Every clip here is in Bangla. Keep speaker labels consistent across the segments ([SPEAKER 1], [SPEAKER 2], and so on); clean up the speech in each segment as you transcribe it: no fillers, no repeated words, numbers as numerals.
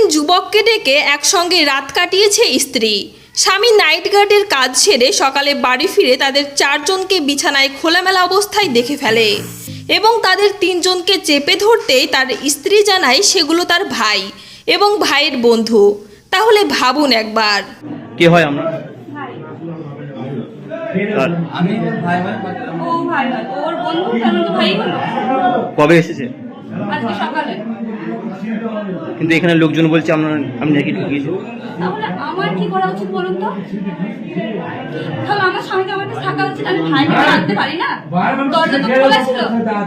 [SPEAKER 1] যুবককে ডেকে একসঙ্গে রাত কাটিয়েছে স্ত্রী। স্বামী নাইট গার্ডের কাজ সেরে সকালে বাড়ি ফিরে তাদের 4 জনকে বিছানায় খোলামেলা অবস্থায় দেখে ফেলে এবং তাদের 3 জনকে চেপে ধরতেই তার স্ত্রী জানায় সেগুলো তার ভাই এবং ভাইয়ের বন্ধু। তাহলে ভাবুন একবার।
[SPEAKER 2] কি হয় আমরা
[SPEAKER 3] আমি ভাই ভাই
[SPEAKER 4] ও ভাই ভাই ওর বন্ধু কেন তো ভাই হলো
[SPEAKER 2] কবে এসেছে?
[SPEAKER 4] আজকে সকালে।
[SPEAKER 2] কিন্তু এখানে লোকজন বলছে আমি নাকি ঢুকিয়েছি।
[SPEAKER 4] তাহলে আমার কি করা উচিত বলুন তো? তাহলে আমার স্বামীকে আমার কাছে থাকা উচিত, আমি ভাইকে রাখতে পারি না? দরজা তো খোলা ছিল।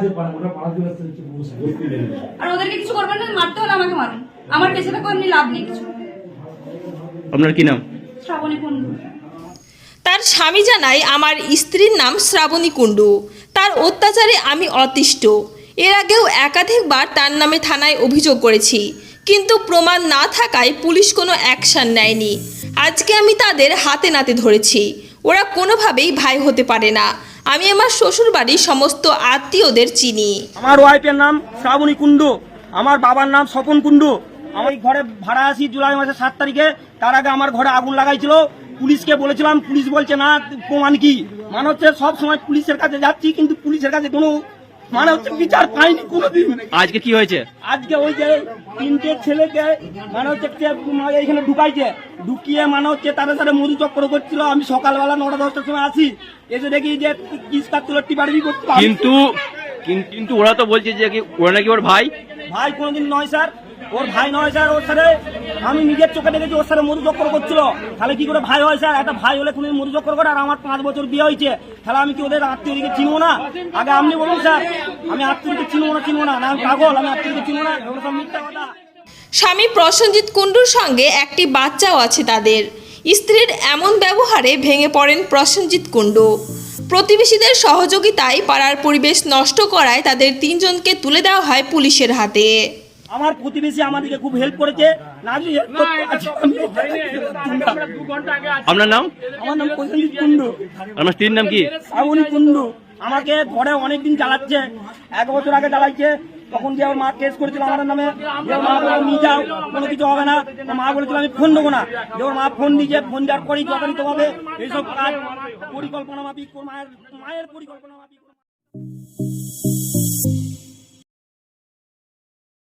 [SPEAKER 4] আর ওদেরকে কিছু করবেন না, মারতে হলে আমাকে মারুন, আমার পেছনে কোনো লাভ নেই কিছু।
[SPEAKER 2] আপনার কি নাম?
[SPEAKER 4] শ্রাবণী কুণ্ডু।
[SPEAKER 1] তার স্বামী জানায়, আমার স্ত্রীর নাম শ্রাবণী কুণ্ডু। তার অত্যাচারে আমি অতিষ্ঠ। এর আগেও একাধিকবার তার নামে থানায় অভিযোগ করেছি, কিন্তু প্রমাণ না থাকায় পুলিশ কোনো অ্যাকশন নেয়নি। আজকে আমি তাদের হাতে নাতে ধরেছি। ওরা কোনোভাবেই ভাই হতে পারে না। আমি আমার শ্বশুরবাড়ির সমস্ত আত্মীয়দের চিনি।
[SPEAKER 5] আমার ওয়াইফের নাম শ্রাবণী কুণ্ডু, আমার বাবার নাম স্বপন কুণ্ডু। আমি ঘরে ভাড়া আসি জুলাই মাসের 7 তারিখে। তার আগে আমার ঘরে আগুন লাগাইছিল। পুলিশকে বলেছিলাম, পুলিশ বলছে না, প্রমাণ কি? মানে হচ্ছে সব সময় পুলিশের কাছে যাচ্ছি, কিন্তু পুলিশের কাছে কোনো মানে হচ্ছে বিচার পাইনি কোনোদিন।
[SPEAKER 2] আজকে কি হয়েছে?
[SPEAKER 5] আজকে ওই যে 3টে ছেলেকে মানে হচ্ছে এখানে ঢুকাইছে, ঢুকিয়ে মানে হচ্ছে তাদের সাথে মধু চক্র করছিল। আমি সকালবেলা 9টা-10টার সময় আসি, এসে দেখি যে কিস কাটছিল, টিপাটিপি করছিল।
[SPEAKER 2] কিন্তু ওরা তো বলছে যে ওরা নাকি ওর ভাই।
[SPEAKER 5] ভাই কোনোদিন নয় স্যার, ওর ভাই নয় স্যার। ওর সাথে আমি নিজের চোখে দেখেছি ওর সাথে মধু চক্র করছিল। তাহলে কি করে ভাই হয় স্যার? একটা ভাই হলে কোনোদিন মধু চক্র করে? আর আমার 5 বছর বিয়ে হয়েছে, তাহলে আমি কি ওদের আত্মীয়দিকে চিনবো না? আগে আপনি বলুন স্যার, আমি আত্মীয়দিকে চিনবো না? আমি পাগল? আমি আত্মীয়দিকে চিনবো না? এগুলো সব মিথ্যা কথা।
[SPEAKER 1] স্বামী প্রসেনজিৎ কুণ্ডুর সঙ্গে একটি বাচ্চাও আছে তাদের। স্ত্রীর এমন ব্যবহারে ভেঙে পড়েন প্রসেনজিৎ কুণ্ডু। প্রতিবেশীদের সহযোগিতায় পাড়ার পরিবেশ নষ্ট করায় তাদের 3 জনকে তুলে দেওয়া হয় পুলিশের হাতে।
[SPEAKER 5] আমার প্রতিবেশী আমাদেরকে খুব হেল্প করেছে।
[SPEAKER 2] আপনার নাম?
[SPEAKER 5] আমার নাম প্রসেনজিৎ কুণ্ডু।
[SPEAKER 2] আমার স্ত্রীর নাম কি?
[SPEAKER 5] শ্রাবণী কুণ্ডু। আমাকে ঘরে অনেকদিন জ্বালাচ্ছে, 1 বছর আগে জ্বালাইছে। তখন যে আমার মা কেস করেছিল আমার নামে, যে মা বলে নিয়ে যাও, কোনো কিছু হবে না। মা বলেছিল আমি ফোন দেবো না। যে ওর মা ফোন দিয়েছে, ফোন দেওয়ার পরেই যথাযথ ভাবে এইসব কাজ পরিকল্পনা মাফিক, মায়ের পরিকল্পনা মাফিক।